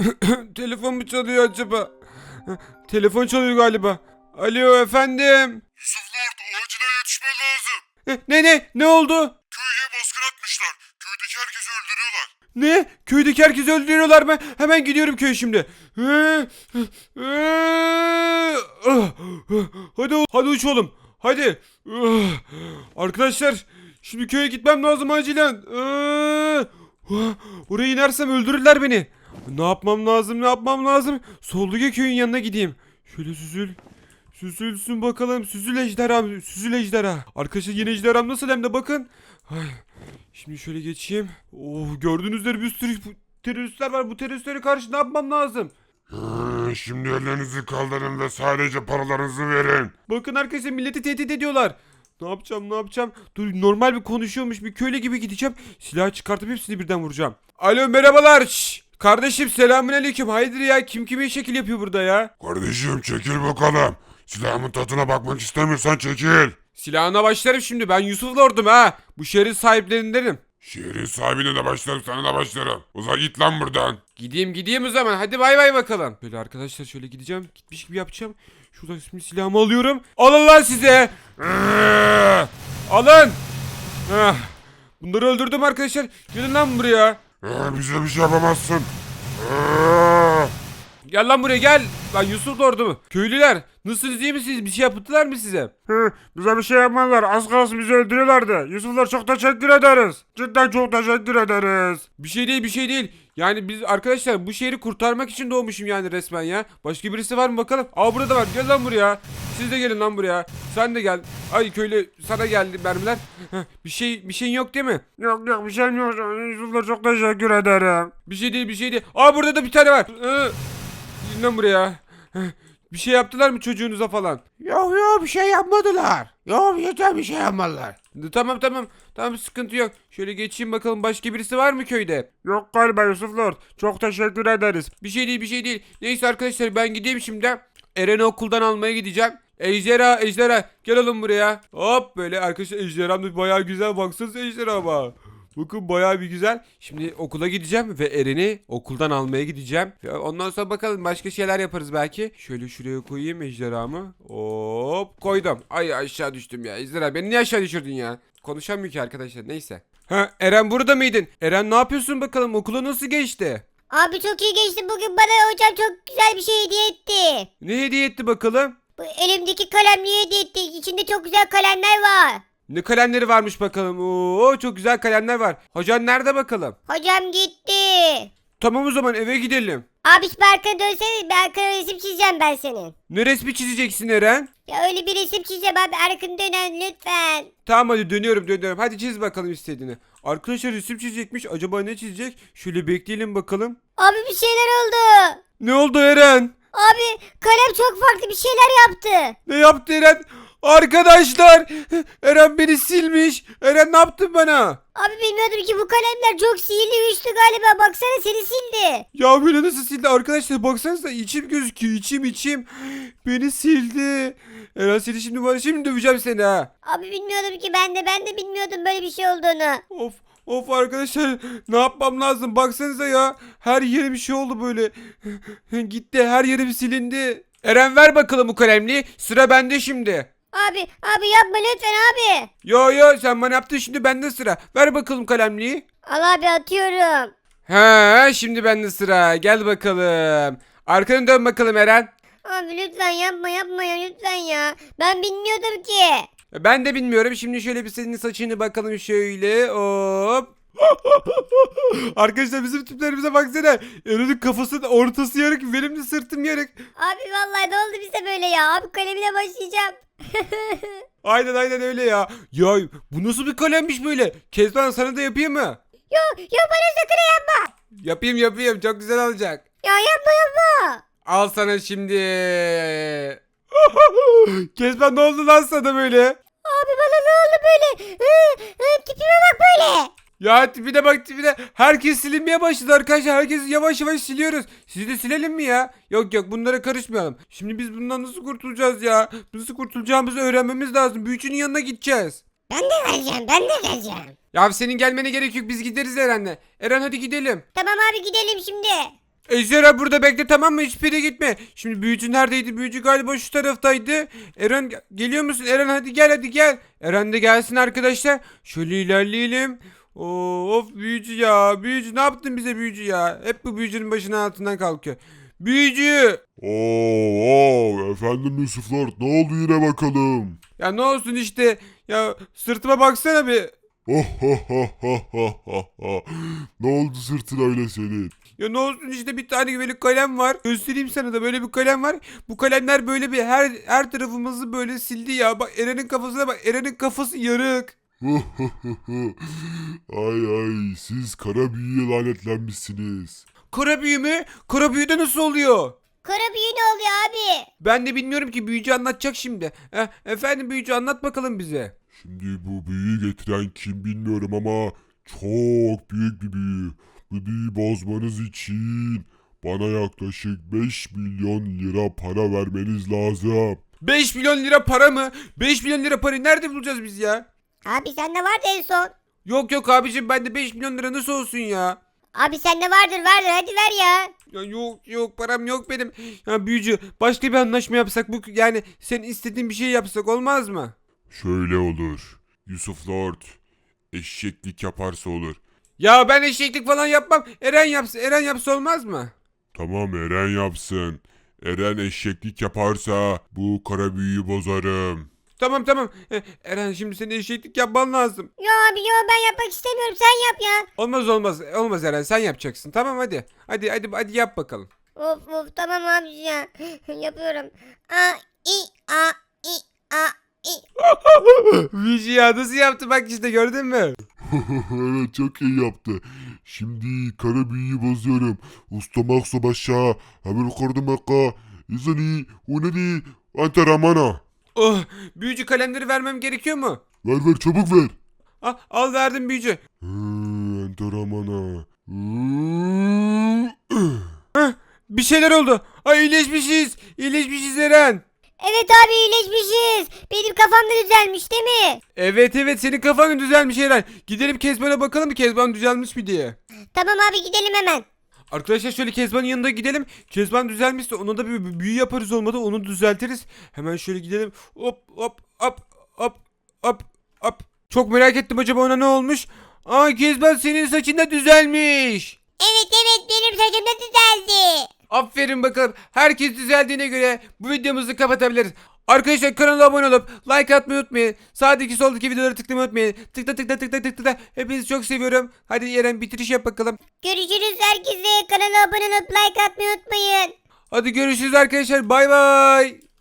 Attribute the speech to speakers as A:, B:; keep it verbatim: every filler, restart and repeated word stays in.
A: Telefon mu çalıyor acaba? Telefon çalıyor galiba. Alo efendim.
B: Yusuf Lord, acilen yetişmen lazım.
A: Ne ne ne oldu?
B: Köye baskın atmışlar. Köydeki herkesi öldürüyorlar.
A: Ne? Köydeki herkesi öldürüyorlar mı? Hemen gidiyorum köye şimdi. Hadi hadi uçalım. Hadi. Arkadaşlar şimdi köye gitmem lazım acilen. Oraya inersem öldürürler beni. Ne yapmam lazım? Ne yapmam lazım? Solluga köyün yanına gideyim. Şöyle süzül. Süzülsün bakalım. Süzül ejderham. Süzül ejderha. Arkadaşlar yeni ejderham nasıl hem de bakın. Ay. Şimdi şöyle geçeyim. Oh, gördüğünüz üzere bir sürü teröristler var. Bu teröristlere karşı ne yapmam lazım?
B: Hı, şimdi ellerinizi kaldırın ve sadece paralarınızı verin.
A: Bakın arkadaşlar milleti tehdit ediyorlar. Ne yapacağım ne yapacağım? Dur normal bir konuşuyormuş bir köylü gibi gideceğim. Silahı çıkartıp hepsini birden vuracağım. Alo merhabalar. Şşş. Kardeşim selamünaleyküm. Hayırdır ya kim kime şekil yapıyor burada ya?
B: Kardeşim çekil bakalım. Silahımın tadına bakmak istemiyorsan çekil.
A: Silahına başlarım şimdi. Ben Yusuf Lord'um ha. Bu şehrin sahiplerindenim.
B: Şehrin sahibine de başlarım, sana da başlarım. Uzak git lan buradan.
A: Gideyim gideyim o zaman. Hadi bay bay bakalım. Böyle arkadaşlar şöyle gideceğim. Gitmiş gibi yapacağım. Şuradan şimdi silahımı alıyorum. Alın lan size. Ee, Alın. Heh. Bunları öldürdüm arkadaşlar. Gelin lan buraya.
B: Ee, bize bir şey yapamazsın. Ee.
A: Gel lan buraya gel. Lan Yusuf Lord'u mu? Köylüler. Nasılsınız iyi misiniz? Bir şey yaptılar mı size?
B: Hı, bize bir şey yapmadılar. Az kalsın bizi öldürüyorlardı. Yusuflar çok teşekkür ederiz. Cidden çok teşekkür ederiz.
A: Bir şey değil bir şey değil. Yani biz arkadaşlar bu şehri kurtarmak için doğmuşum yani resmen ya. Başka birisi var mı bakalım? Aa burada var. Gel lan buraya. Siz de gelin lan buraya. Sen de gel. Ay köylü sana geldi mermiler. Heh, bir şey bir şeyin yok değil mi?
B: Yok yok bir şeyim yok. Yusuflar çok teşekkür ederim.
A: Bir şey değil bir şey değil. Aa burada da bir tane var. Ee, Gelin lan buraya. Heh, bir şey yaptılar mı çocuğunuza falan?
B: Yok yok bir şey yapmadılar. Yok yeter bir şey yapmadılar.
A: Tamam tamam. Tamam sıkıntı yok. Şöyle geçeyim bakalım başka birisi var mı köyde?
B: Yok galiba Yusuf Lord. Çok teşekkür ederiz.
A: Bir şey değil bir şey değil. Neyse arkadaşlar ben gideyim şimdi. Eren'i okuldan almaya gideceğim. Ejderha ejderha gel oğlum buraya. Hop böyle arkadaşlar ejderham da bayağı güzel baksanıza ejderhama. Bakın bayağı bir güzel. Şimdi okula gideceğim ve Eren'i okuldan almaya gideceğim. Ve ondan sonra bakalım başka şeyler yaparız belki. Şöyle şuraya koyayım ejderhamı. Hop koydum. Ay aşağı düştüm ya. Ejderha beni niye aşağı düşürdün ya? Konuşamıyor ki arkadaşlar neyse. Ha Eren burada mıydın? Eren ne yapıyorsun bakalım okula nasıl geçti?
C: Abi çok iyi geçti bugün bana hocam çok güzel bir şey hediye etti.
A: Ne hediye etti bakalım?
C: Bu elimdeki kalemliği hediye etti. İçinde çok güzel kalemler var.
A: Ne kalemleri varmış bakalım. Oo çok güzel kalemler var. Hocan nerede bakalım?
C: Hocam gitti.
A: Tamam o zaman eve gidelim.
C: Abi bir arkana dönsene bir arkana resim çizeceğim ben senin.
A: Ne resmi çizeceksin Eren?
C: Ya öyle bir resim çizeceğim abi arkanı dönen lütfen.
A: Tamam hadi dönüyorum dönüyorum. Hadi çiz bakalım istediğini. Arkadaşlar resim çizecekmiş. Acaba ne çizecek? Şöyle bekleyelim bakalım.
C: Abi bir şeyler oldu.
A: Ne oldu Eren?
C: Abi kalem çok farklı bir şeyler yaptı.
A: Ne yaptı Eren? Arkadaşlar Eren beni silmiş. Eren ne yaptın bana?
C: Abi bilmiyordum ki bu kalemler çok sihirli güçlü galiba baksana seni sildi.
A: Ya böyle nasıl sildi arkadaşlar baksanıza içim gözüküyor içim içim. Beni sildi. Eren seni şimdi var şimdi döveceğim seni ha.
C: Abi bilmiyordum ki ben de ben de bilmiyordum böyle bir şey olduğunu.
A: Of of arkadaşlar ne yapmam lazım baksanıza ya. Her yere bir şey oldu böyle. Gitti her yerim silindi. Eren ver bakalım bu kalemliği sıra bende şimdi.
C: Abi abi yapma lütfen abi.
A: Yo yo sen bana yaptın şimdi bende sıra. Ver bakalım kalemliği.
C: Al abi atıyorum.
A: Ha şimdi bende sıra gel bakalım. Arkanı dön bakalım Eren.
C: Abi lütfen yapma yapma ya lütfen ya. Ben bilmiyordum ki.
A: Ben de bilmiyorum. Şimdi şöyle bir senin saçını bakalım şöyle. Hop. Arkadaşlar bizim tiplerimize baksana. Eren'in kafasının ortası yarık. Benim de sırtım yarık.
C: Abi vallahi ne oldu bize böyle ya? Abi kalemine başlayacağım.
A: Aynen aynen öyle ya. Ya bu nasıl bir kalemmiş böyle? Kezban sana da yapayım mı?
C: Yok yok bana sakın yapma.
A: Yapayım yapayım. Çok güzel olacak.
C: Ya yapma yapma.
A: Al sana şimdi. Kezban ne oldu lan sana böyle?
C: Abi bana ne oldu böyle? Hı, hı, tipime bak böyle.
A: Ya tipine bak tipine. Herkes silinmeye başladı arkadaşlar. Herkesi yavaş yavaş siliyoruz. Sizi de silelim mi ya? Yok yok bunlara karışmayalım. Şimdi biz bundan nasıl kurtulacağız ya? Nasıl kurtulacağımızı öğrenmemiz lazım. Büyücünün yanına gideceğiz.
C: Ben de geleceğim ben de geleceğim.
A: Ya senin gelmene gerek yok. Biz gideriz Eren'le. Eren hadi gidelim.
C: Tamam abi gidelim şimdi.
A: Ejderha burada bekle, tamam mı? Hiçbir yere gitme. Şimdi büyücü neredeydi? Büyücü galiba şu taraftaydı. Eren ge- geliyor musun? Eren hadi gel, hadi gel. Eren de gelsin arkadaşlar. Şöyle ilerleyelim. Of büyücü ya. Büyücü ne yaptın bize büyücü ya? Hep bu büyücünün başının altından kalkıyor. Büyücü.
D: Oo, oo, efendim Yusuf Lord, ne oldu yine bakalım?
A: Ya ne olsun işte. Ya sırtıma baksana bir.
D: Ne oldu sırtın öyle senin?
A: Ya ne olsun işte, bir tane böyle kalem var. Göstereyim sana da, böyle bir kalem var. Bu kalemler böyle bir her her tarafımızı böyle sildi ya. Bak Eren'in kafasına bak. Eren'in kafası yarık.
D: Ay ay, siz kara büyüye lanetlenmişsiniz.
A: Kara büyü mü? Kara büyü de nasıl oluyor?
C: Kara büyü ne oluyor abi?
A: Ben de bilmiyorum ki, büyücü anlatacak şimdi. Eh, efendim büyücü anlat bakalım bize.
D: Şimdi bu büyüyü getiren kim bilmiyorum ama çok büyük bir büyü. Bu büyüyü bozmanız için bana yaklaşık beş milyon lira para vermeniz lazım.
A: beş milyon lira para mı? beş milyon lira parayı nerede bulacağız biz ya?
C: Abi sende vardı en son.
A: Yok yok abicim, bende beş milyon lira nasıl olsun ya?
C: Abi sende vardır vardır hadi ver ya.
A: Ya yok yok, param yok benim. Ya büyücü, başka bir anlaşma yapsak, bu yani senin istediğin bir şey yapsak olmaz mı?
D: Şöyle olur. Yusuf Lord eşeklik yaparsa olur.
A: Ya ben eşeklik falan yapmam. Eren yapsın. Eren yapsa olmaz mı?
D: Tamam, Eren yapsın. Eren eşeklik yaparsa bu kara büyüyü bozarım.
A: Tamam tamam. Eh, Eren şimdi senin eşeklik yapman lazım.
C: Yo abi yo ben yapmak istemiyorum sen yap ya.
A: Olmaz olmaz. Olmaz Eren, sen yapacaksın. Tamam hadi. Hadi hadi hadi yap bakalım.
C: Of of tamam abi ya. Yapıyorum. A i a i a i.
A: Büyücü ya nasıl yaptı, bak işte gördün mü?
D: Evet, çok iyi yaptı. Şimdi kara büyüyü bozuyorum. Ustamak başa. Hemen yukarıda maka. İzani. Unani. Antaramana.
A: Oh, büyücü kalemleri vermem gerekiyor mu?
D: Ver ver, çabuk ver.
A: Ah, al verdim büyücü.
D: Hı, Antaramana.
A: Bir şeyler oldu. Ay iyileşmişiz. İyileşmişiz Eren.
C: Evet abi iyileşmişiz. Benim kafam da düzelmiş değil mi?
A: Evet evet, senin kafan düzelmiş Eren. Gidelim Kezban'a bakalım bir, Kezban düzelmiş mi diye.
C: Tamam abi gidelim hemen.
A: Arkadaşlar şöyle Kezban'ın yanına gidelim. Kezban düzelmişse ona da bir bir büyü yaparız, olmadı onu düzeltiriz. Hemen şöyle gidelim. Hop hop hop hop hop hop. Çok merak ettim, acaba ona ne olmuş? Aa Kezban, senin saçın da düzelmiş.
C: Evet evet benim saçım da düzeldi.
A: Aferin bakalım. Herkes düzeldiğine göre bu videomuzu kapatabiliriz. Arkadaşlar kanala abone olup like atmayı unutmayın. Sağdaki soldaki videoları tıklamayı unutmayın. Tıkla tıkla tıkla tıkla tıkla. Hepinizi çok seviyorum. Hadi Eren bitiriş yap bakalım.
C: Görüşürüz herkese. Kanala abone olup like atmayı unutmayın.
A: Hadi görüşürüz arkadaşlar. Bay bay.